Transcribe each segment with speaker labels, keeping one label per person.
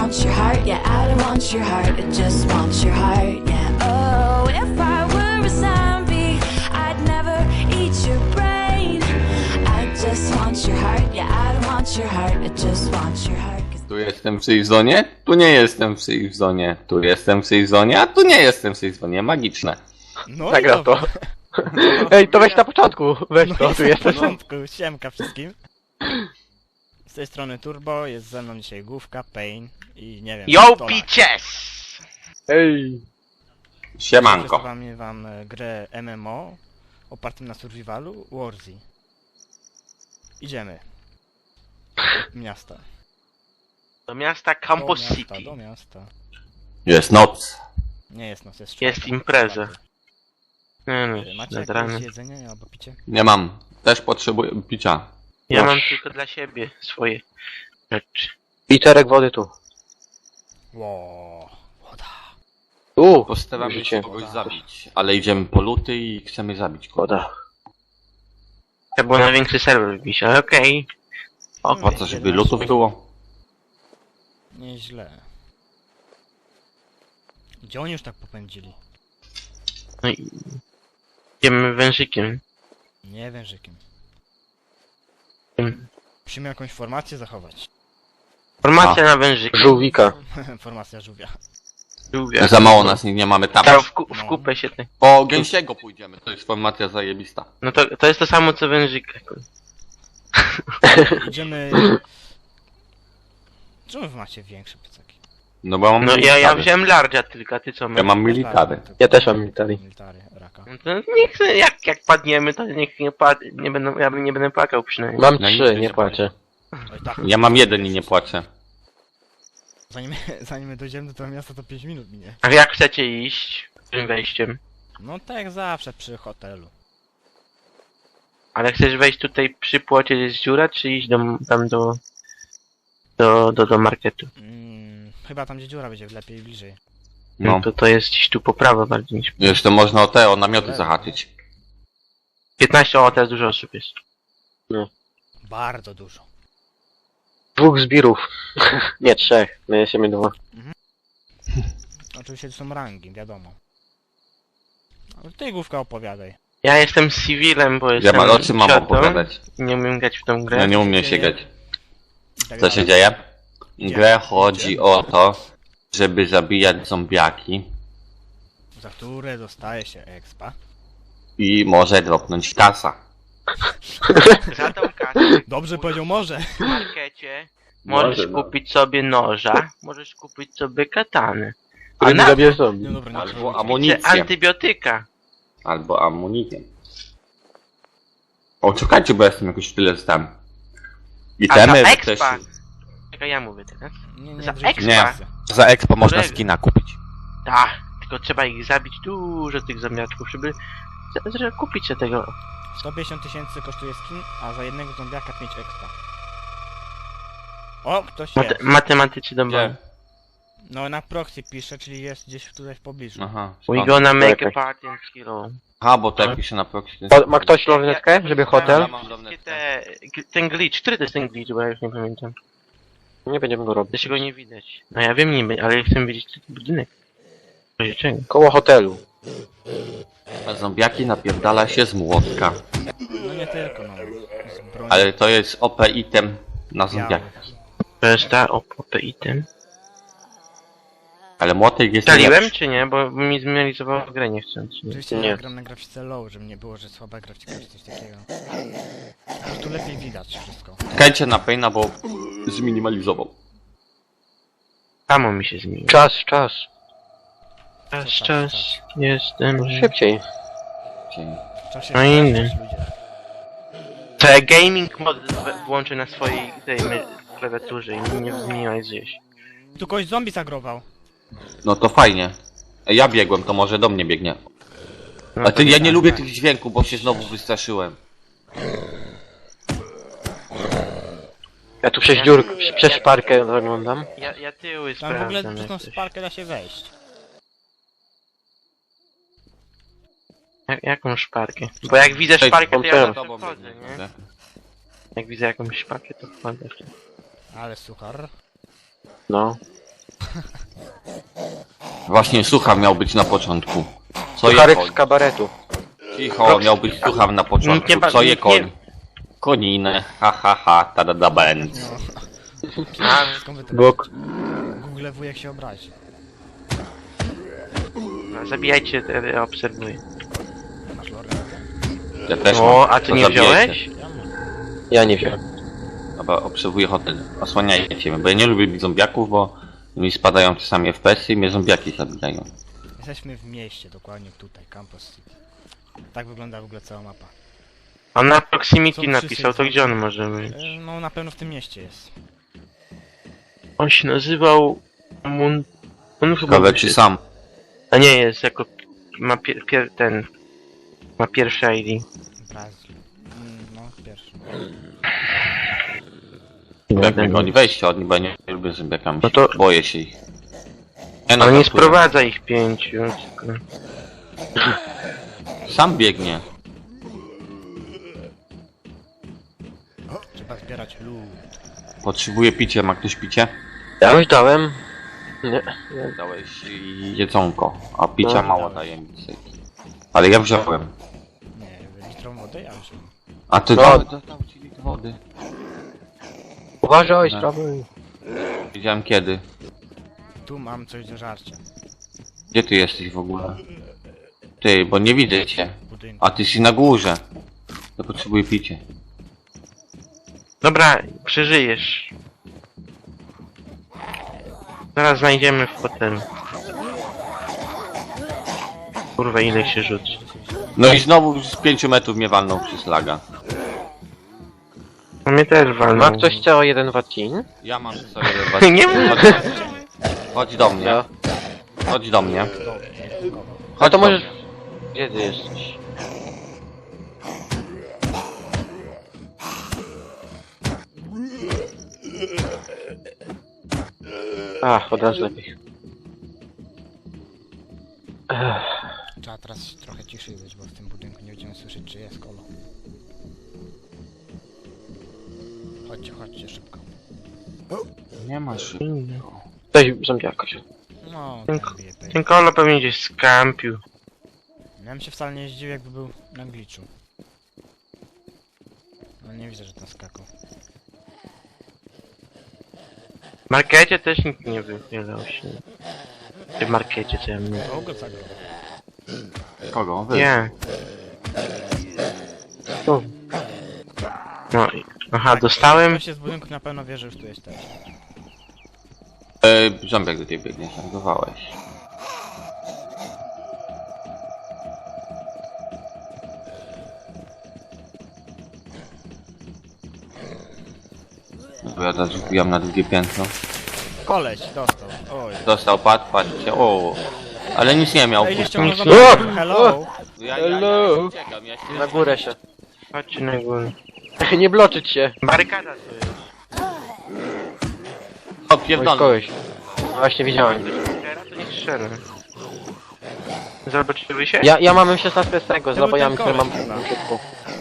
Speaker 1: wants your heart, yeah, I don't want your heart, it just wants your heart, yeah. Oh, if I were a zombie, I'd never eat your brain. I just want your heart, yeah, I don't want your heart, it just wants your heart.
Speaker 2: Tu jestem w safe zone, tu nie jestem w safe zone, tu jestem w safe zone, a tu nie jestem w safe zone. Magiczne.
Speaker 3: No
Speaker 4: Zagrał
Speaker 3: i dobra.
Speaker 4: to. Ej, to weź na początku, weź
Speaker 3: No
Speaker 4: to,
Speaker 3: jest
Speaker 4: tu
Speaker 3: na
Speaker 4: jesteś.
Speaker 3: początku, siemka wszystkim. Z tej strony Turbo, jest ze mną dzisiaj Główka, Pain i nie wiem...
Speaker 5: Yo,
Speaker 3: Stolak.
Speaker 5: bitches!
Speaker 4: Ej.
Speaker 2: Siemanko.
Speaker 3: Przedstawiam wam grę MMO opartym na survivalu Warzy. Idziemy. Miasta.
Speaker 5: Do miasta Campus
Speaker 3: do miasta,
Speaker 5: City.
Speaker 3: do miasta.
Speaker 2: Jest noc.
Speaker 3: Nie jest noc, jest
Speaker 5: Jest
Speaker 3: czwartek.
Speaker 5: impreza. Nie no,
Speaker 3: Macie
Speaker 5: nad
Speaker 3: jakieś
Speaker 5: ranem.
Speaker 3: jedzenie albo picie?
Speaker 2: Nie mam. Też potrzebuję picia.
Speaker 5: Ja mam
Speaker 4: Masz.
Speaker 5: tylko dla siebie swoje rzeczy.
Speaker 4: Literek wody tu.
Speaker 3: Ło, woda.
Speaker 2: Postaramy się
Speaker 4: życie.
Speaker 2: kogoś zabić, ale idziemy po luty i chcemy zabić kogoś.
Speaker 4: Woda.
Speaker 5: To było na większy serwer wbić, ale okej.
Speaker 2: O co, żeby lutów było?
Speaker 3: Nieźle. Gdzie oni już tak popędzili?
Speaker 5: No i... Idziemy wężykiem.
Speaker 3: Nie wężykiem.
Speaker 5: Tym.
Speaker 3: Musimy jakąś formację zachować.
Speaker 5: Formacja na wężyku.
Speaker 4: Żółwika.
Speaker 3: Formacja żółwia.
Speaker 5: Żółwia.
Speaker 2: Za mało nas nie mamy tam.
Speaker 5: Tam w kupę się te...
Speaker 2: Po gęsiego pójdziemy, to jest formacja zajebista.
Speaker 5: No to jest to samo co wężyk.
Speaker 3: Idziemy... Czemu wy macie większe plecaki?
Speaker 2: No bo mam
Speaker 5: No ja
Speaker 2: military.
Speaker 5: wziąłem large'a tylko, a ty co
Speaker 2: Ja
Speaker 5: masz?
Speaker 2: mam military.
Speaker 4: Ja też mam military.
Speaker 3: Military, raka.
Speaker 5: No to niech jak padniemy, to niech nie będą, ja nie będę płakał przynajmniej.
Speaker 4: Mam
Speaker 2: Ja nigdy
Speaker 4: 3,
Speaker 2: nie
Speaker 4: nie płaczę.
Speaker 3: Oj, tak.
Speaker 2: Ja mam jeden i nie płaczę.
Speaker 3: Zanim my dojdziemy do tego miasta, to 5 minut minie.
Speaker 5: A jak chcecie iść? Tym wejściem.
Speaker 3: No tak jak zawsze przy hotelu.
Speaker 5: Ale chcesz wejść tutaj przy płocie jest dziura, czy iść tam do marketu?
Speaker 3: Chyba tam gdzie dziura będzie lepiej bliżej.
Speaker 2: No.
Speaker 5: To jest gdzieś tu po prawo bardziej niż...
Speaker 2: Jeszcze można o namioty zahaczyć.
Speaker 5: 15, o teraz dużo osób jest.
Speaker 3: Bardzo dużo.
Speaker 4: 2 zbirów. Nie, 3. My jesteśmy 2.
Speaker 3: Oczywiście to są rangi, wiadomo. Ale ty Główka opowiadaj.
Speaker 5: Ja jestem civilem, bo
Speaker 2: Ja
Speaker 5: jestem
Speaker 2: o czym mam
Speaker 5: ciotą
Speaker 2: opowiadać?
Speaker 5: i nie umiem grać w tą grę.
Speaker 2: Ja nie umiem się grać.
Speaker 3: I tak
Speaker 2: Co się
Speaker 3: dalej.
Speaker 2: dzieje? W grę chodzi o to, żeby zabijać zombiaki
Speaker 3: Za które dostaje się expa.
Speaker 2: i może dropnąć kasa.
Speaker 5: Za tą kasę
Speaker 3: Dobrze powiedział może.
Speaker 5: w markecie możesz
Speaker 2: Może, no.
Speaker 5: kupić sobie noża, możesz kupić sobie katany. A
Speaker 4: Ale nie
Speaker 5: na
Speaker 4: zabierz zombie.
Speaker 3: No dobra, nie
Speaker 2: Albo
Speaker 3: trzeba.
Speaker 2: amunicję.
Speaker 5: antybiotyka.
Speaker 2: Albo amunicję. O, czekajcie, bo jestem jakoś tyle tam.
Speaker 5: A
Speaker 2: Itemy
Speaker 5: za
Speaker 2: też...
Speaker 5: expa. Czekaj, ja mówię teraz.
Speaker 3: Nie,
Speaker 5: za
Speaker 3: w życiu.
Speaker 5: expa.
Speaker 2: Nie. Za expo można
Speaker 5: Którego?
Speaker 2: skina kupić.
Speaker 5: Tak, tylko trzeba ich zabić dużo tych zombiaczków, żeby kupić się tego.
Speaker 3: 150 000 kosztuje skin, a za jednego zombiaka 5 expa. O, ktoś jest.
Speaker 5: Matematycy do
Speaker 2: Gdzie?
Speaker 3: No na proxy pisze, czyli jest gdzieś tutaj w pobliżu.
Speaker 2: Aha.
Speaker 5: We gonna make a
Speaker 4: Czekaj.
Speaker 5: party and hero.
Speaker 2: Aha, bo to pisze na proxy.
Speaker 4: Ma ktoś lornetkę, żeby hotel?
Speaker 2: Ja mam
Speaker 5: Wszystkie
Speaker 2: lornetkę.
Speaker 5: ten glitch, który to jest ten glitch, bo ja już nie pamiętam.
Speaker 4: Nie będziemy go robić.
Speaker 5: Dlaczego nie widać? No ja wiem niby, ale ja chcę wiedzieć ten budynek. W razie czego?
Speaker 4: Koło hotelu.
Speaker 2: A zombiaki napierdala się z młotka.
Speaker 3: No nie tylko, no. Z broni.
Speaker 2: Ale to jest OP item na zombiaki.
Speaker 5: To jest ta OP item.
Speaker 2: Ale młotek jest
Speaker 5: Staliłem
Speaker 2: najlepszy.
Speaker 5: czy nie? Bo mi zminimalizowało grę niechcący.
Speaker 3: Oczywiście
Speaker 4: Nie.
Speaker 3: ja gram na grafice low, żeby nie było, że słaba grafika czy coś takiego. Po prostu lepiej widać wszystko.
Speaker 2: Czekajcie na Paina, bo zminimalizował.
Speaker 5: Samo mi się zmieniło.
Speaker 4: Czas.
Speaker 5: Czas. Jestem...
Speaker 4: Szybciej.
Speaker 3: W czasie
Speaker 5: No inny.
Speaker 3: też ludzie.
Speaker 5: To ja gaming mod włączę na swojej tej klawiaturze i nie zminimalizuje się.
Speaker 3: Tu kogoś zombie zagrował.
Speaker 2: No to fajnie. Ja biegłem, to może do mnie biegnie.
Speaker 5: No
Speaker 2: A ty,
Speaker 5: to
Speaker 2: ja nie
Speaker 3: tak,
Speaker 2: lubię
Speaker 3: tak.
Speaker 2: tych dźwięków, bo się znowu wystraszyłem.
Speaker 4: Ja tu przez dziurkę, przez szparkę zaglądam.
Speaker 5: Ja tyły
Speaker 3: Tam w ogóle
Speaker 5: sprawdzam.
Speaker 3: przez tą
Speaker 5: jak coś.
Speaker 3: sparkę da się wejść.
Speaker 5: Jaką szparkę? Bo jak widzę szparkę, to ja
Speaker 4: Cześć,
Speaker 5: zawsze wchodzę, nie? Jak widzę jakąś szparkę, to wchodzę.
Speaker 3: Ale suchar.
Speaker 4: No.
Speaker 2: Właśnie słucham miał być na początku. Co je
Speaker 4: Sucharek
Speaker 2: koń?
Speaker 4: z kabaretu.
Speaker 2: Cicho, miał być słucham na początku. Co je koń? Koninę, ha ha ha, tada band.
Speaker 3: Skąd wy to
Speaker 4: Bóg.
Speaker 3: wiecie? Google wujek się obrazi.
Speaker 5: No, zabijajcie, ja obserwuję.
Speaker 3: Masz lornetę?
Speaker 2: Ja też
Speaker 5: O,
Speaker 2: mam.
Speaker 5: a ty
Speaker 2: To
Speaker 5: nie
Speaker 2: zabijajcie.
Speaker 5: wziąłeś?
Speaker 3: Ja mam.
Speaker 4: Ja nie wiem.
Speaker 2: Dobra, obserwuję hotel. Osłaniajcie mnie, bo ja nie lubię zombiaków, bo mi spadają czasami FPS-y i mnie zombiaki zabijają.
Speaker 3: Jesteśmy w mieście, dokładnie tutaj, Campus City. Tak wygląda w ogóle cała mapa.
Speaker 5: On na proximity
Speaker 3: Są
Speaker 5: napisał, to
Speaker 3: wszyscy
Speaker 5: gdzie on może być?
Speaker 3: No na pewno w tym mieście jest.
Speaker 5: On się nazywał... On chyba...
Speaker 2: Ciekawe czy sam.
Speaker 5: A nie, jest jako... Ma ma pierwszy ID.
Speaker 3: Brazil. No, pierwszy.
Speaker 2: Jak mnie goni, weźcie od nich, bo ja nie lubię zombiakami.
Speaker 5: No to-
Speaker 2: Boję się ich. Ja
Speaker 5: On nie
Speaker 2: żartuję.
Speaker 5: sprowadza ich 5. tylko-
Speaker 2: Sam biegnie.
Speaker 3: Trzeba zbierać lód.
Speaker 2: Potrzebuję picia, ma ktoś picie?
Speaker 4: Ja już dałem. Nie.
Speaker 2: Dałeś jedzonko, a picia
Speaker 4: No.
Speaker 2: mało daje mi dzisiaj. Ale ja wziąłem.
Speaker 3: Nie, litrą wody ja już mam.
Speaker 2: A ty
Speaker 4: No.
Speaker 2: dał ci litr wody.
Speaker 4: Uważaj,
Speaker 2: No.
Speaker 4: sprawuj.
Speaker 2: Widziałem kiedy.
Speaker 3: Tu mam coś do żarcia.
Speaker 2: Gdzie ty jesteś w ogóle? Ty, bo nie widzę cię.
Speaker 3: W budynku.
Speaker 2: A ty jesteś na górze. Ja potrzebuję picie.
Speaker 5: Dobra, przeżyjesz. Zaraz znajdziemy w hotelu. Kurwa, ile się rzuci.
Speaker 2: No i znowu z 5 metrów mnie walnął przez laga.
Speaker 5: A mnie też walną.
Speaker 4: Ma ktoś CO1 watin?
Speaker 2: Ja mam sobie
Speaker 5: Nie
Speaker 2: Chodź do mnie.
Speaker 4: Ja.
Speaker 2: Chodź do mnie.
Speaker 4: A
Speaker 2: Chodź
Speaker 4: to
Speaker 2: do
Speaker 4: możesz...
Speaker 2: mnie.
Speaker 4: Gdzie ty jesteś? Ach, od razu lepiej.
Speaker 3: Trzeba teraz trochę ciszej być, bo w tym budynku nie będziemy słyszeć, czy jest kolo. Chodźcie szybko.
Speaker 2: Nie masz.
Speaker 4: Weź zombiaka się.
Speaker 3: No,
Speaker 5: Ten-
Speaker 3: tak bije pej.
Speaker 5: Ten kolo pewnie gdzieś skampił.
Speaker 3: Ja bym się wcale nie zdziwił, jakby był na glitchu. No nie widzę, że tam skakał.
Speaker 5: W markecie też nikt nie wychylał się. W markecie co ja mówię.
Speaker 3: O, go zagrał.
Speaker 2: Kogo? Wy.
Speaker 5: Nie.
Speaker 4: Tu.
Speaker 5: No i... Aha, dostałem.
Speaker 3: Ktoś jest w budynku, na pewno wie, że już tu jesteś.
Speaker 2: Zombiak do ciebie biegnie, zagadowałeś. Bo ja teraz wbijam na drugie piętro.
Speaker 3: Koleś, dostał. Oj.
Speaker 2: Dostał pad, patrzcie, o. Ale nic nie miał.
Speaker 3: Ej, nie
Speaker 2: pusty.
Speaker 3: ściągnął
Speaker 5: nic-
Speaker 3: za
Speaker 4: O!
Speaker 3: mną. Hello!
Speaker 2: Ja
Speaker 4: Hello.
Speaker 2: uciekam, ja się
Speaker 4: Na górę się.
Speaker 5: Chodźcie na górę.
Speaker 4: Nie bloczyć się.
Speaker 5: Barykada to jest.
Speaker 2: O, pierdolę.
Speaker 4: Kogoś. No właśnie widziałem.
Speaker 5: Teraz to nie strzelę. Zobaczyły się?
Speaker 4: Ja mam M16 z tego, z
Speaker 3: To był
Speaker 4: nabojami,
Speaker 3: ten
Speaker 4: które mam
Speaker 3: koleś chyba.
Speaker 4: w środku.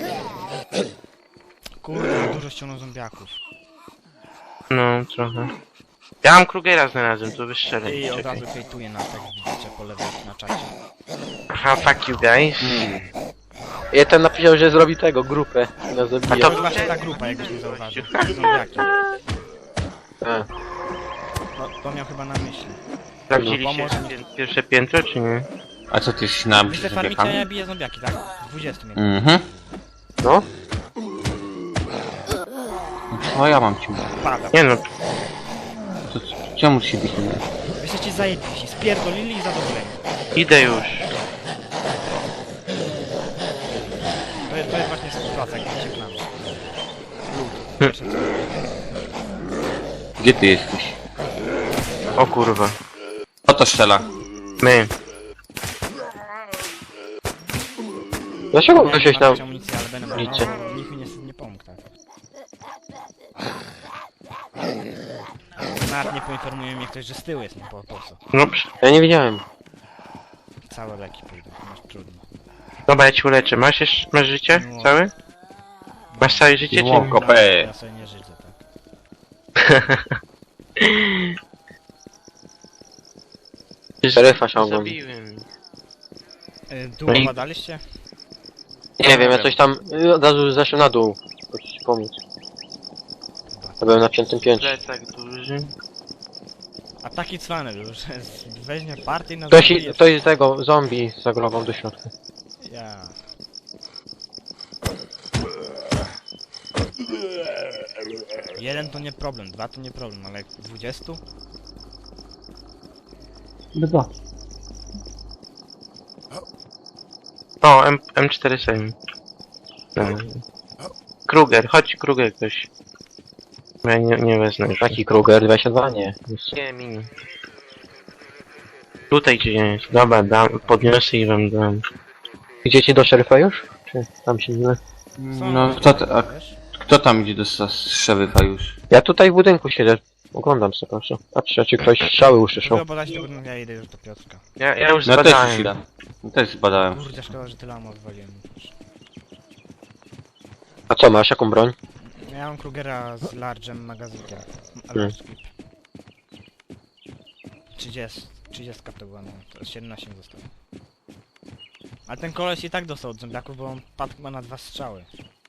Speaker 3: Kurde, dużo ściągnął zombiaków.
Speaker 5: No, trochę. Ja mam Krugera znalazłem, to wystrzelę.
Speaker 3: I od
Speaker 5: Czekaj.
Speaker 3: razu hejtuje na tekst, widzicie po lewej na czacie.
Speaker 5: Aha, fuck you guys.
Speaker 4: Ja ten napisał, że zrobi tego, grupę. Na
Speaker 3: To
Speaker 4: zabija.
Speaker 3: jest właśnie ta grupa, jakbyś nie zauważył. Zombiaki.
Speaker 4: A.
Speaker 3: No, to miał chyba na myśli.
Speaker 5: Sprawdziliście
Speaker 3: Pomoże mi.
Speaker 5: pierwsze piętro, czy nie?
Speaker 2: A co ty jesteś na
Speaker 3: Wy te farmicie, a ja
Speaker 2: zombiakami?
Speaker 3: biję zombiaki, tak? 20 mnie.
Speaker 2: Mhm.
Speaker 4: No.
Speaker 2: O, ja mam cię.
Speaker 3: Pada.
Speaker 5: Nie no,
Speaker 2: To czemu się bić?
Speaker 3: Wy jesteście zajebiści, spierdolili i zadowoleni.
Speaker 5: idę już.
Speaker 3: To jest właśnie sytuacja, jak się znamy. Lud. Pierwsze co.
Speaker 2: Gdzie ty jesteś?
Speaker 5: O kurwa.
Speaker 2: Kto to strzela?
Speaker 5: My.
Speaker 4: Dlaczego wróciłeś na...
Speaker 3: Mam amunicję, ale będę
Speaker 4: liczę.
Speaker 3: no, nikt mi nie pomógł, tak. Nawet nie poinformuje mnie ktoś, że z tyłu jest, no po co?
Speaker 5: No,
Speaker 4: Ja nie widziałem.
Speaker 3: Całe leki pójdą, masz trudno.
Speaker 5: dobra, ja ci uleczę. Masz jeszcze, masz życie?
Speaker 3: No.
Speaker 5: Całe? Masz całe życie, czy
Speaker 2: No,
Speaker 5: nie?
Speaker 2: ko- Kopę.
Speaker 3: No, ja, ja sobie nie żyję, tak.
Speaker 5: No,
Speaker 3: Ja sobie nie żyję, tak.
Speaker 5: Dobra, ja ci uleczę. Masz jeszcze, masz życie? Całe?
Speaker 3: No,
Speaker 5: Masz całe życie, czy nie?
Speaker 3: No,
Speaker 4: Szeryfa ciągną.
Speaker 5: Zabiłem.
Speaker 3: Długo
Speaker 5: No i-
Speaker 3: badaliście?
Speaker 4: Nie wiem, ja coś tam od razu zeszłem na dół. Chcę ci pomóc. Ja byłem na 5. piętrze.
Speaker 5: Plecak duży.
Speaker 3: A taki cwany był, że weźmie partię na
Speaker 4: Ktoś z tego zombie zagrował do środka.
Speaker 3: Ja. Jeden to nie problem, dwa to nie problem, ale jak 20?
Speaker 2: Dwa.
Speaker 5: O, M47. Kruger, chodź Kruger ktoś. Ja nie wezmę już.
Speaker 4: Jaki Kruger? 22? Nie.
Speaker 5: Nie, mini. Tutaj gdzie jest. Dobra, podniosę i wam dam.
Speaker 4: Idziecie do szeryfa już? Czy tam się nie...
Speaker 2: No, kto tam idzie do szeryfa już?
Speaker 4: Ja tutaj w budynku siedzę. Oglądam sobie, proszę. Patrzę, czy ktoś strzały usłyszał.
Speaker 3: Mogę badać, to ja idę już do Piotrka.
Speaker 5: Ja już
Speaker 2: No też już
Speaker 5: zbadałem.
Speaker 2: idę. No też zbadałem.
Speaker 3: Kurde, szkoda, że tyle ammo odwaliłem.
Speaker 4: A co masz? Jaką broń?
Speaker 3: Ja mam Krugera z large'em magazynkiem.
Speaker 4: Hmm.
Speaker 3: 30 to była, no. To 17 zostało. Ale ten koleś i tak dostał od zombiaków, bo on padł chyba na 2 strzały.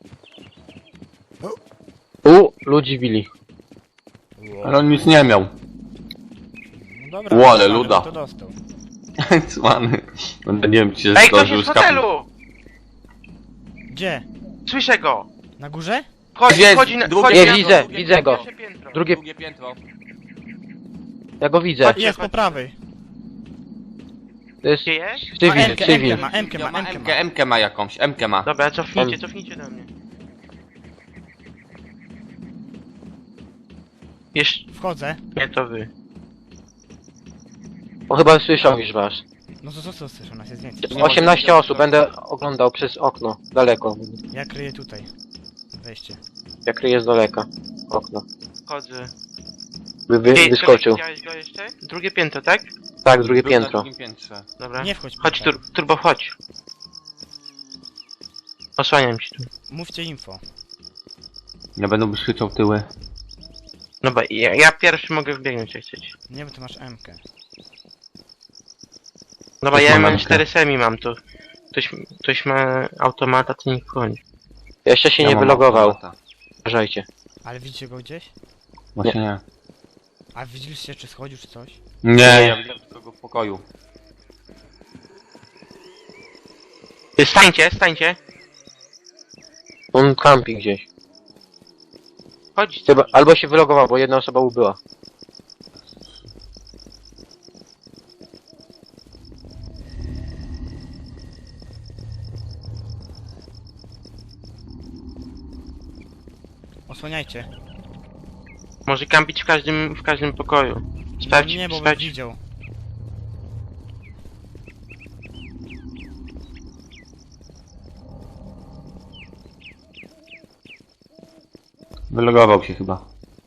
Speaker 4: Ludzi bili.
Speaker 2: Ale on nic nie miał.
Speaker 3: No dobra,
Speaker 2: Łole,
Speaker 3: no,
Speaker 2: luda.
Speaker 3: to dostał.
Speaker 2: Cwany. No, nie wiem, czy się
Speaker 5: Ej, ktoś
Speaker 2: zdążył
Speaker 5: jest w
Speaker 2: skapnąć.
Speaker 5: hotelu!
Speaker 3: Gdzie?
Speaker 5: Słyszę go!
Speaker 3: Na górze?
Speaker 5: Chodzi,
Speaker 2: Jest,
Speaker 5: chodzi na...
Speaker 2: drugie
Speaker 5: chodzi
Speaker 4: Nie,
Speaker 5: na-
Speaker 4: widzę,
Speaker 5: drugie-
Speaker 4: widzę go.
Speaker 5: pierwsze piętro.
Speaker 4: Drugie...
Speaker 2: piętro.
Speaker 4: Ja go widzę.
Speaker 5: Chodźcie,
Speaker 3: Jest po
Speaker 5: chodźcie.
Speaker 3: prawej.
Speaker 4: To jest...
Speaker 5: Gdzie jest?
Speaker 3: Ma
Speaker 4: Cywil,
Speaker 3: Mkę,
Speaker 4: cywil.
Speaker 3: ma Mkę, ma Mkę, ma.
Speaker 2: MK ma jakąś, MK ma.
Speaker 5: Dobra, cofnijcie do mnie. Jeszcze...
Speaker 3: Wchodzę.
Speaker 5: Nie, to wy.
Speaker 4: On chyba słyszał już was.
Speaker 3: No to co słyszę, nas jest więcej.
Speaker 4: 18 osób, będę oglądał przez okno. Daleko.
Speaker 3: Ja kryję tutaj. Wejście.
Speaker 4: Jak kryje z daleka. Okno.
Speaker 5: Chodzę.
Speaker 4: Wyskoczył.
Speaker 5: Widziałeś go jeszcze? Drugie piętro, tak?
Speaker 4: Tak, drugie
Speaker 2: Był na
Speaker 4: piętro.
Speaker 2: drugim piętrze.
Speaker 5: Dobra.
Speaker 3: Nie wchodź.
Speaker 5: Chodź,
Speaker 3: Piotr.
Speaker 5: turbo, chodź. Osłaniam ci tu.
Speaker 3: Mówcie info.
Speaker 2: Ja będę krzyczał tyły.
Speaker 5: No bo ja pierwszy mogę wbiegnąć jak chcecie.
Speaker 3: Nie, bo ty masz Mkę.
Speaker 5: No bo
Speaker 2: Też
Speaker 5: ja
Speaker 2: mam
Speaker 5: mam
Speaker 2: Mkę.
Speaker 5: 4 semi mam to. Ktoś ma automata, to niech wchodzi.
Speaker 4: Jeszcze się
Speaker 2: Ja
Speaker 4: nie
Speaker 2: mam
Speaker 4: wylogował.
Speaker 2: automata.
Speaker 4: Uważajcie.
Speaker 3: Ale widzicie go gdzieś?
Speaker 2: Właśnie nie.
Speaker 3: A widzieliście, czy schodził, czy coś?
Speaker 2: Nie, ja widziałem tylko go w pokoju.
Speaker 5: Stańcie.
Speaker 4: On kampi gdzieś.
Speaker 5: Chodź.
Speaker 4: Chyba, albo się wylogował, bo jedna osoba ubyła.
Speaker 3: Osłaniajcie.
Speaker 5: Może kampić w każdym pokoju. Sprawdź,
Speaker 3: Nie, bo bym
Speaker 5: sprawdź.
Speaker 3: widział.
Speaker 2: Wylogował się chyba.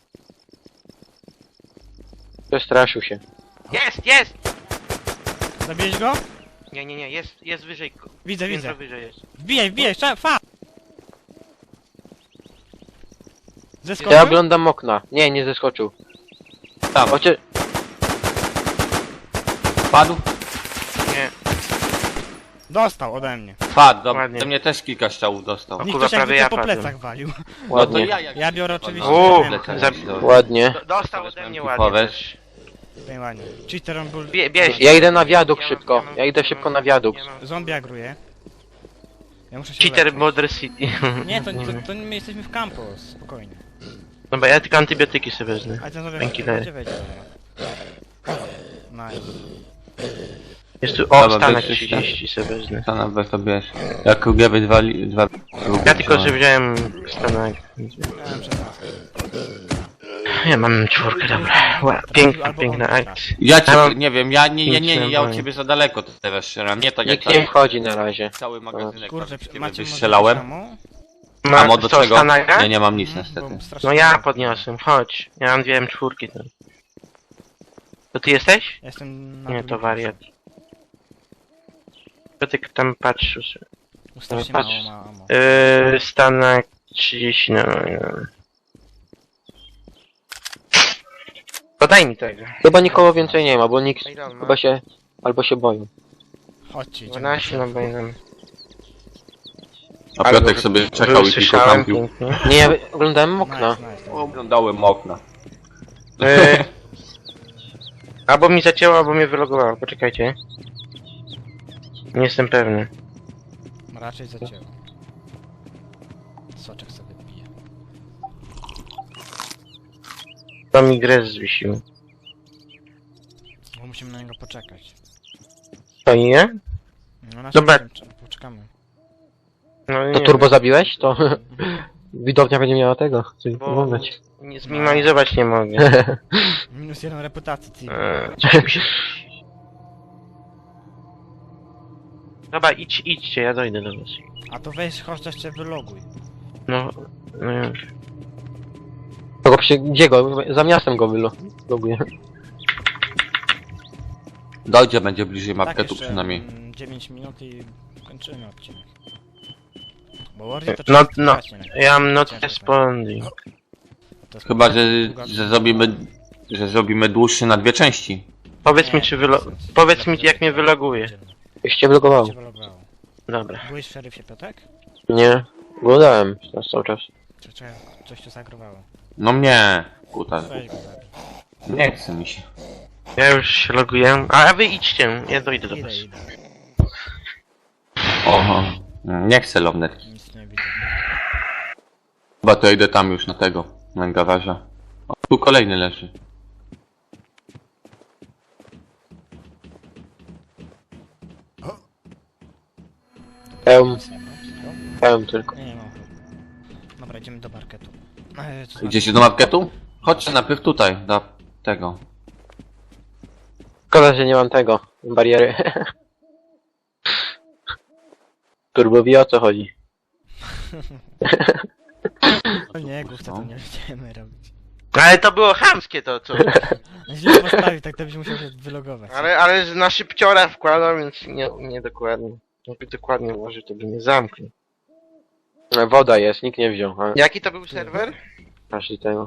Speaker 4: Przestraszył się.
Speaker 5: Jest!
Speaker 3: Zabiłeś go?
Speaker 5: Nie, jest wyżej.
Speaker 3: Widzę,
Speaker 5: Piętro
Speaker 3: widzę.
Speaker 5: wyżej jest.
Speaker 3: Wbijaj, fa!
Speaker 4: Ja
Speaker 3: Zeskoczył?
Speaker 4: oglądam okna. Nie, nie zeskoczył.
Speaker 2: Tam,
Speaker 4: Chociaż...
Speaker 2: padł?
Speaker 5: Nie.
Speaker 3: Dostał ode mnie.
Speaker 2: Padł, dobra.
Speaker 5: Ładnie.
Speaker 2: To mnie też kilka strzałów dostał.
Speaker 5: O
Speaker 3: Nikt
Speaker 5: kurwa,
Speaker 3: ktoś jakby
Speaker 5: prawie
Speaker 3: to
Speaker 5: ja
Speaker 3: po
Speaker 5: padłem.
Speaker 3: plecach walił.
Speaker 2: No to
Speaker 4: Ładnie.
Speaker 2: jak
Speaker 3: Ja biorę oczywiście
Speaker 5: O,
Speaker 3: Mkę.
Speaker 4: Ładnie.
Speaker 5: Dostał ode mnie ładnie.
Speaker 2: Powiesz.
Speaker 3: Nie ładnie. Cheater on był...
Speaker 5: Bierz.
Speaker 4: Ja idę na wiadukt
Speaker 5: Ja mam-
Speaker 4: szybko.
Speaker 5: mam-
Speaker 4: Ja idę szybko na wiadukt.
Speaker 5: ja mam-
Speaker 3: Zombie agruje. Ja muszę się
Speaker 5: Cheater
Speaker 3: uleczyć.
Speaker 5: Border City.
Speaker 3: Nie, to my jesteśmy w campus, spokojnie.
Speaker 5: Dobra, ja tylko antybiotyki sobie wezmę.
Speaker 3: Ale ten zombie
Speaker 5: Dzięki,
Speaker 3: gdzie
Speaker 5: dalej.
Speaker 3: wejdzie, dobra. Nice.
Speaker 5: Jest tu...
Speaker 2: Dobra,
Speaker 5: O, stanek
Speaker 2: bierz
Speaker 5: 30 sobie wezmę.
Speaker 2: Stana weź to bierz. Jak Krugiewy dwa...
Speaker 5: Ja tylko, że wziąłem stanek.
Speaker 3: Ja mam 16.
Speaker 5: Ja mam 4, dobra. Piękna akcja.
Speaker 2: Ja cię,
Speaker 5: Ja mam-
Speaker 2: nie wiem, ja od ciebie za daleko teraz strzelam, nie tak jak
Speaker 4: Nikt nie wchodzi na razie.
Speaker 2: cały magazynek
Speaker 3: Kurczę,
Speaker 2: ciebie
Speaker 3: macie może
Speaker 2: wystrzelałem.
Speaker 3: ammo?
Speaker 2: A mo do
Speaker 5: co,
Speaker 2: czego?
Speaker 5: Stanaka?
Speaker 2: Nie, nie mam nic
Speaker 3: Bo
Speaker 2: niestety.
Speaker 3: strasznie
Speaker 5: No ja
Speaker 3: mało.
Speaker 5: podniosłem, chodź. Ja mam 2 M4 tam. To ty jesteś?
Speaker 3: Jestem na
Speaker 5: Nie,
Speaker 3: drugim
Speaker 5: to wariat. To ty tam patrzysz.
Speaker 3: piętrze. Strasznie
Speaker 5: Patrz.
Speaker 3: mało ma ammo.
Speaker 5: Stanek 30, no. To daj mi tego.
Speaker 4: Chyba nikogo więcej nie ma, bo nikt
Speaker 5: Ile on ma?
Speaker 4: chyba się... albo się boją.
Speaker 3: Chodźcie, idziemy.
Speaker 5: 12 no będę.
Speaker 2: A Piotrek sobie czekał i tylko
Speaker 5: słyszałem
Speaker 2: kampił.
Speaker 5: pięknie.
Speaker 4: Nie, ja oglądałem okna.
Speaker 3: Nice.
Speaker 2: Oglądałem okna.
Speaker 5: E, albo mi zacięło, albo mnie wylogowało. Poczekajcie. Nie jestem pewny.
Speaker 3: Raczej zacięło. Soczek sobie pije.
Speaker 5: To mi grę zwiesił.
Speaker 3: Bo musimy na niego poczekać.
Speaker 5: To nie?
Speaker 3: No na
Speaker 5: Dobra.
Speaker 3: poczekamy.
Speaker 5: No nie.
Speaker 4: To turbo zabiłeś? To widownia będzie miała tego, coś
Speaker 5: Bo-
Speaker 4: oglądać.
Speaker 5: Nie zminimalizować nie mogę.
Speaker 3: Minus 1 reputacji, ty.
Speaker 5: Coś mi się... Dobra, idźcie, ja dojdę do was.
Speaker 3: A to weź, chodź jeszcze wyloguj.
Speaker 5: No, no już.
Speaker 4: Gdzie go? Za miastem go wyloguję.
Speaker 2: Dojdzie, będzie bliżej
Speaker 3: Tak,
Speaker 2: marketu
Speaker 3: jeszcze,
Speaker 2: przynajmniej.
Speaker 3: 9 minut i kończymy odcinek. Bo Wardy to
Speaker 5: No,
Speaker 3: trzeba
Speaker 5: no,
Speaker 3: grać, nie?
Speaker 5: ja mam not
Speaker 3: Ciężko,
Speaker 5: responding.
Speaker 3: To jest
Speaker 2: Chyba,
Speaker 3: długa-
Speaker 2: że zrobimy dłuższy na 2 części.
Speaker 5: Powiedz mi,
Speaker 3: Nie,
Speaker 5: czy powiedz mi, jak mnie wyloguje.
Speaker 4: Już cię wylogowało.
Speaker 3: Cię wylogowało.
Speaker 5: Dobra.
Speaker 3: Byłeś w szeryfie, Piotrek?
Speaker 4: Nie, oglądałem teraz cały czas.
Speaker 3: Czy coś tu zagrowało?
Speaker 2: No mnie, kuta.
Speaker 3: Weź go zabij.
Speaker 2: Nie chce mi się.
Speaker 5: Ja już się loguję. A wy idźcie, ja dojdę do was.
Speaker 3: Idę.
Speaker 2: Oho. Nie chcę lornetki.
Speaker 3: Nic nie widzę.
Speaker 2: Chyba to idę tam już na tego, na garaża. O, tu kolejny leży.
Speaker 4: Pełm,
Speaker 3: Nic nie ma. Co?
Speaker 4: pełm tylko.
Speaker 3: Nie ma. Dobra, idziemy do marketu.
Speaker 2: Idziecie do marketu? Chodźcie najpierw tutaj, do tego.
Speaker 4: Szkoda, że nie mam tego, bariery. Turbo wie, o co chodzi.
Speaker 3: O nie, główce to nie będziemy robić.
Speaker 5: Ale to było chamskie to, co...
Speaker 3: Źle postawił, tak to byś musiał się wylogować.
Speaker 5: ale na szybciora wkładał, więc nie dokładnie. Jakby dokładnie ułożył, to by nie zamknął.
Speaker 4: Woda jest, nikt nie wziął, a
Speaker 5: Jaki to był serwer?
Speaker 4: każdy tego.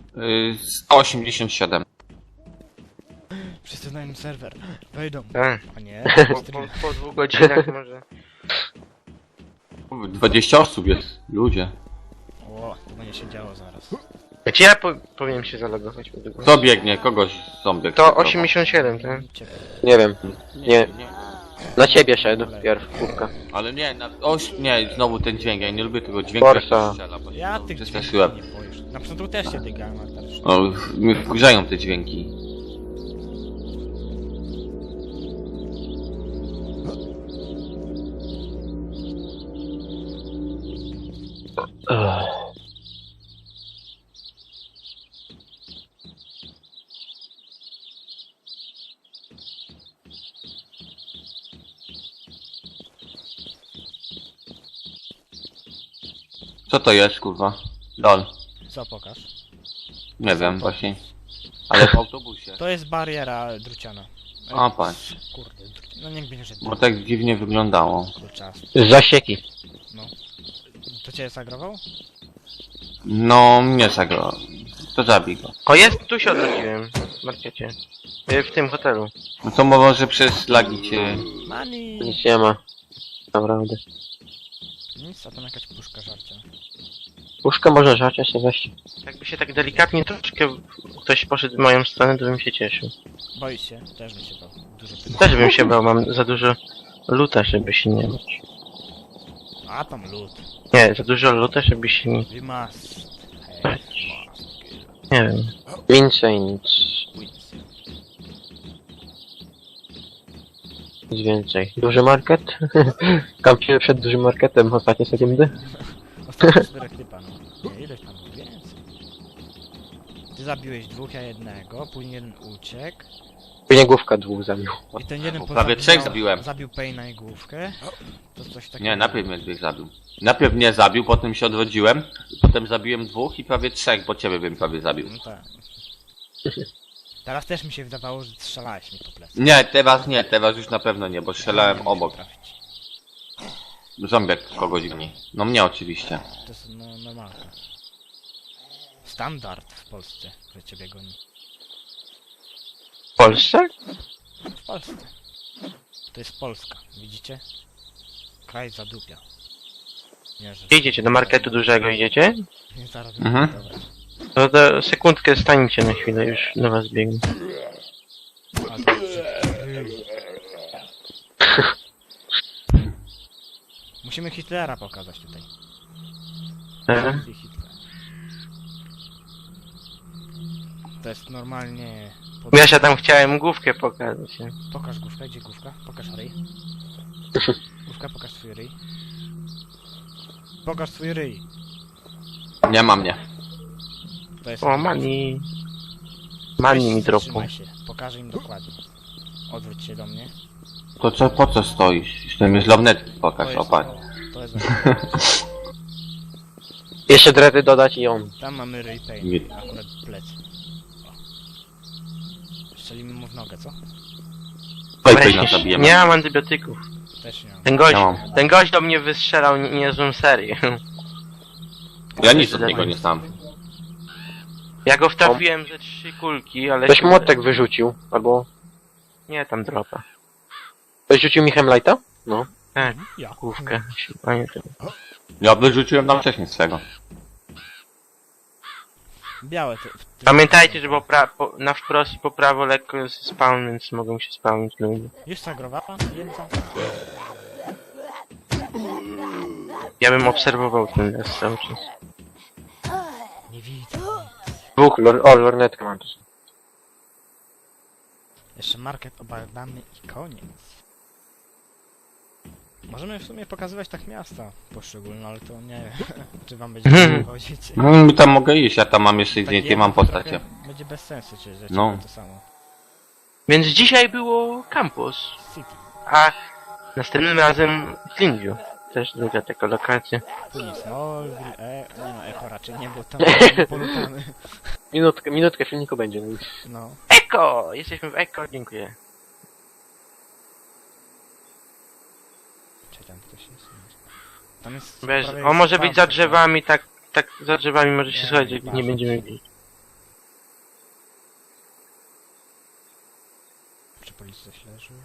Speaker 2: 187.
Speaker 3: Wszyscy znają serwer. Wejdą.
Speaker 5: Tak.
Speaker 3: A nie,
Speaker 5: Po 2 godzinach może.
Speaker 2: 20 osób jest, ludzie.
Speaker 3: O, to będzie się działo zaraz.
Speaker 5: Gdzie ja powinien się zalogować?
Speaker 2: Kto biegnie? Kogoś zombie.
Speaker 5: To 87, tak?
Speaker 3: Ciebie.
Speaker 4: Nie wiem, nie. Na ciebie szedł pierw, kubka.
Speaker 2: Ale nie, nie, znowu ten dźwięk, ja nie lubię tego dźwięku, jak
Speaker 4: Forsa.
Speaker 2: się strzela, bo
Speaker 3: Ja
Speaker 2: się
Speaker 3: tych
Speaker 2: przestraszyłem.
Speaker 3: dźwięków nie boisz. Na początku też się dygałem, ale teraz już nie.
Speaker 2: O, mnie wkurzają te dźwięki. Co to jest, kurwa? Dol.
Speaker 3: Co pokaż?
Speaker 2: Nie wiem, właśnie. Ale w autobusie.
Speaker 3: To jest bariera druciana.
Speaker 2: A, patrz.
Speaker 3: Kurde, no niech będzie, że
Speaker 2: Bo tak dziwnie wyglądało.
Speaker 3: czas.
Speaker 4: Zasieki.
Speaker 3: No. To cię zagrował?
Speaker 2: No, nie zagrał. To zabij go.
Speaker 5: O, jest, tu się odrodziłem. W markecie. W tym hotelu.
Speaker 2: No to może przez lagi cię...
Speaker 3: Money!
Speaker 4: Nic nie ma. Naprawdę.
Speaker 3: Nic, a tam jakaś puszka żarcia.
Speaker 4: Puszkę można żarć, się weź.
Speaker 5: Jakby się tak delikatnie troszkę ktoś poszedł w moją stronę, to bym się cieszył.
Speaker 3: Boisz się? Też mi się bał. Dużo pytań.
Speaker 5: Też bym się bał, mam za dużo luta, żeby się nie bać.
Speaker 3: A tam lód.
Speaker 5: Nie, za dużo luta, żeby się nie...
Speaker 3: We must. Hey, must kill.
Speaker 5: Nie wiem.
Speaker 4: Więcej nic.
Speaker 3: Wins.
Speaker 4: Nic więcej. Duży market? Kampimy przed dużym marketem ostatnie sekundy.
Speaker 3: Ostatnio 4 typa, no. Nie, ileś tam było więcej. Ty zabiłeś 2, ja jednego, później jeden uciekł.
Speaker 4: Później główka dwóch zabił.
Speaker 3: I ten jeden
Speaker 2: Prawie 3 zabiłem.
Speaker 3: Zabił Payna i główkę. To coś takiego.
Speaker 2: Nie, najpierw mnie 2 zabił. Najpierw mnie zabił, potem się odrodziłem, potem zabiłem 2 i prawie 3, bo ciebie bym prawie zabił.
Speaker 3: No tak. Teraz też mi się wydawało, że strzelałeś mi po plecy.
Speaker 2: Nie, teraz już na pewno nie, bo strzelałem obok.
Speaker 3: Trafić.
Speaker 2: Zombiak kogoś goni. No mnie oczywiście.
Speaker 3: To jest no, normalka. Standard w Polsce, że ciebie goni.
Speaker 5: Polsce?
Speaker 3: W Polsce. To jest Polska, widzicie? Kraj zadupia. Nie, że...
Speaker 5: Gdzie idziecie? Do marketu dużego idziecie?
Speaker 3: Nie zaraz
Speaker 2: Mhm.
Speaker 3: dobra.
Speaker 5: No to sekundkę stańcie na chwilę, już do was biegnę.
Speaker 3: Ale to musimy Hitlera pokazać tutaj. I Hitler. To jest normalnie...
Speaker 5: Ja się tam chciałem główkę pokazać. Nie?
Speaker 3: Pokaż główkę, gdzie główka? Pokaż ryj. Główka, pokaż swój ryj. Pokaż swój ryj.
Speaker 2: Nie ma mnie.
Speaker 3: To jest...
Speaker 5: O, mani. Mani mi dropu.
Speaker 3: Trzymaj się, pokażę im dokładnie. Odwróć się do mnie.
Speaker 2: To co, po co stoisz? Jeszcze mi z lornetki pokaż, opatrz.
Speaker 3: To jest...
Speaker 4: Jeszcze dredy dodać i on.
Speaker 3: Tam mamy ryj
Speaker 2: Nie.
Speaker 3: pain, akurat plecy. O. Strzelimy mu w nogę, co?
Speaker 2: Oj,
Speaker 5: Weź,
Speaker 2: nas zabijemy.
Speaker 5: nie mam antybiotyków.
Speaker 3: Też nie mam.
Speaker 2: Ja mam.
Speaker 5: Ten gość do mnie wystrzelał niezłą serię.
Speaker 2: Ja nic od niego nie znam.
Speaker 5: Ja go wtrafiłem ze 3 kulki, ale...
Speaker 4: Ktoś młotek wyrzucił, albo...
Speaker 5: Nie, tam dropa.
Speaker 4: Ktoś rzucił mi Hemlighta? No.
Speaker 5: Tak,
Speaker 3: Ja.
Speaker 5: główkę. A nie, tym.
Speaker 2: Ja wyrzuciłem tam wcześniej swego.
Speaker 3: Białe to...
Speaker 5: Pamiętajcie, że na wprost i po prawo lekko jest spawn, więc mogą się spawnić ludzie.
Speaker 3: Już zagrowała? Jedna?
Speaker 5: Ja bym obserwował ten las cały czas.
Speaker 3: Nie widzę.
Speaker 4: Dwóch, lornetkę mam tu.
Speaker 3: Jeszcze market obadamy i koniec. Możemy w sumie pokazywać tak miasta poszczególne, ale to nie wiem, czy wam będzie chodzić.
Speaker 2: No mi tam mogę iść, ja tam mam jeszcze
Speaker 3: Tak
Speaker 2: zdjęcie,
Speaker 3: jedno
Speaker 2: mam
Speaker 3: to
Speaker 2: postacie.
Speaker 3: trochę Będzie bez sensu, czy że
Speaker 2: No.
Speaker 3: to samo.
Speaker 5: Więc dzisiaj było campus,
Speaker 3: City.
Speaker 5: a następnym razem Flintview. Też druga taka lokacja.
Speaker 3: Później Smallville, nie no, Echo raczej nie, bo tam polutamy.
Speaker 4: Minutkę filmiku będzie. No.
Speaker 3: No.
Speaker 5: Eko! Jesteśmy w Eko, dziękuję.
Speaker 3: Czy tam ktoś jest? Tam jest...
Speaker 5: Bez,
Speaker 3: prawie
Speaker 5: on może być za
Speaker 3: spawn,
Speaker 5: drzewami, tak za drzewami może się
Speaker 3: Nie,
Speaker 5: schować, jak
Speaker 3: nie
Speaker 5: nie
Speaker 3: ma.
Speaker 5: będziemy widzieć.
Speaker 3: Czy policja śledzi?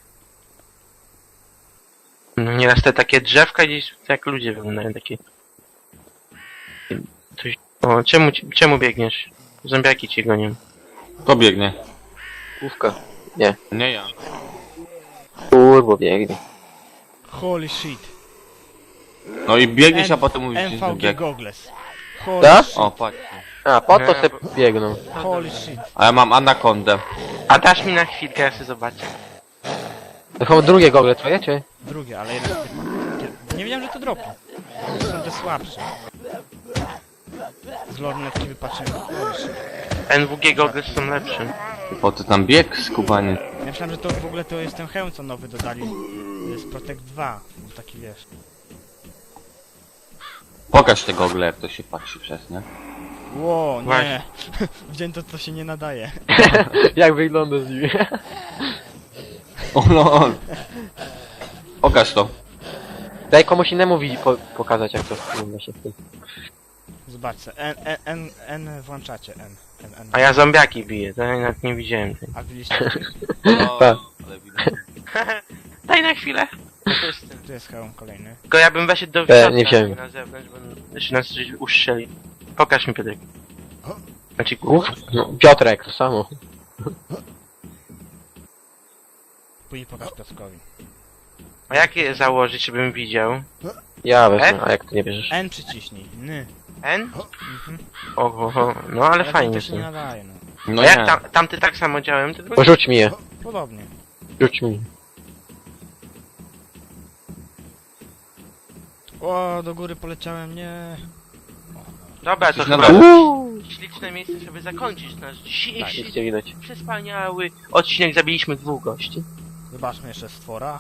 Speaker 5: No nieraz te takie drzewka gdzieś, jak ludzie wyglądają, takie... Coś... O, czemu biegniesz? Zombiaki cię gonią.
Speaker 2: To biegnie.
Speaker 4: Główka.
Speaker 2: Nie ja.
Speaker 4: Kurwo, biegnie.
Speaker 3: Holy shit.
Speaker 2: No i biegniesz, a potem mówisz, że
Speaker 3: MVG
Speaker 2: bieg.
Speaker 3: Goggles. Holy
Speaker 4: Tak?
Speaker 3: shit.
Speaker 2: O, patrz.
Speaker 4: A, po to
Speaker 5: Nie,
Speaker 4: se
Speaker 5: bo-
Speaker 4: biegną.
Speaker 3: Holy shit.
Speaker 2: A ja mam anakondę.
Speaker 5: A dasz mi na chwilkę, ja sobie zobaczę.
Speaker 4: To chyba drugie gogle twoje, czy?
Speaker 3: Drugie, ale jeden z tych... Nie wiedziałem, że to dropi. To są te słabsze. Z lornetki wypatrzyłem. Holy shit.
Speaker 5: NWG goggles są lepsze.
Speaker 2: Po co tam bieg, skubany?
Speaker 3: Ja myślałem, że to w ogóle to jest ten hełm, co nowy dodali. To jest Protect 2. Był taki, wiesz...
Speaker 2: Pokaż te gogle, jak to się patrzy przez, nie?
Speaker 3: Ło, nie.
Speaker 5: Właśnie.
Speaker 3: Wziąłem to, co się nie nadaje.
Speaker 4: Jak wygląda z nimi?
Speaker 2: O no. Pokaż to.
Speaker 4: Daj komuś innemu pokazać, jak to wygląda się w tym.
Speaker 3: Zobaczcie, N włączacie, N.
Speaker 5: A ja zombiaki biję, to ja nawet nie widziałem tej.
Speaker 3: A byliście...
Speaker 2: No,
Speaker 4: Tak.
Speaker 2: ale widać.
Speaker 5: Daj na chwilę. To jest ten.
Speaker 3: Tu jest hełm kolejny.
Speaker 5: Tylko ja bym weszedł do
Speaker 4: nie
Speaker 5: środka,
Speaker 4: wziąłem.
Speaker 5: na zewnątrz, bo jeszcze nas coś uszczeli. Pokaż mi, Piotrek. Znaczy,
Speaker 4: Głów? No, Piotrek, to samo.
Speaker 3: Później pokaż Piotrkowi.
Speaker 5: a jak je założyć, żebym widział?
Speaker 4: Ja wezmę, a jak ty nie bierzesz?
Speaker 3: N przyciśnij. N.
Speaker 5: N?
Speaker 3: Mhm.
Speaker 5: Oho, no ale
Speaker 3: to
Speaker 5: fajnie
Speaker 3: też nie
Speaker 5: są.
Speaker 3: nadaje, no.
Speaker 2: No
Speaker 5: A
Speaker 2: nie.
Speaker 5: jak tamty tak samo działałem, to drugi?
Speaker 4: Porzuć mi je.
Speaker 3: Podobnie.
Speaker 4: Rzuć mi.
Speaker 3: O, do góry poleciałem, nie.
Speaker 5: Dobra, to
Speaker 2: Coś
Speaker 5: chyba
Speaker 2: nadaje.
Speaker 5: śliczne miejsce, żeby zakończyć nasz
Speaker 4: Tak,
Speaker 5: dzisiejszy
Speaker 4: nic nie widać.
Speaker 5: przespaniały odcinek. Zabiliśmy 2 gości.
Speaker 3: Zobaczmy jeszcze stwora.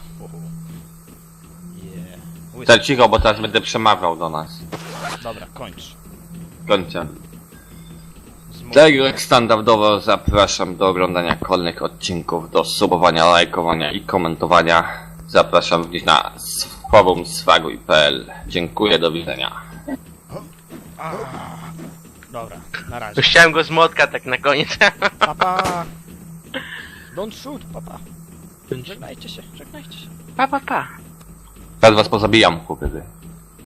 Speaker 3: Yeah. Łysy.
Speaker 2: Tak cicho, bo teraz będę przemawiał do nas.
Speaker 3: Dobra, kończ.
Speaker 2: Kończę.
Speaker 3: Zmów-
Speaker 2: Tak jak standardowo zapraszam do oglądania kolejnych odcinków, do subowania, lajkowania i komentowania. Zapraszam również na forum swaguj.pl. Dziękuję, do widzenia.
Speaker 3: Dobra, na razie.
Speaker 5: To chciałem go z młotka tak na koniec.
Speaker 3: Pa, pa. Don't shoot, papa. Żegnajcie się, żegnajcie się.
Speaker 5: Pa, pa, pa.
Speaker 2: Teraz was pozabijam, chłopie.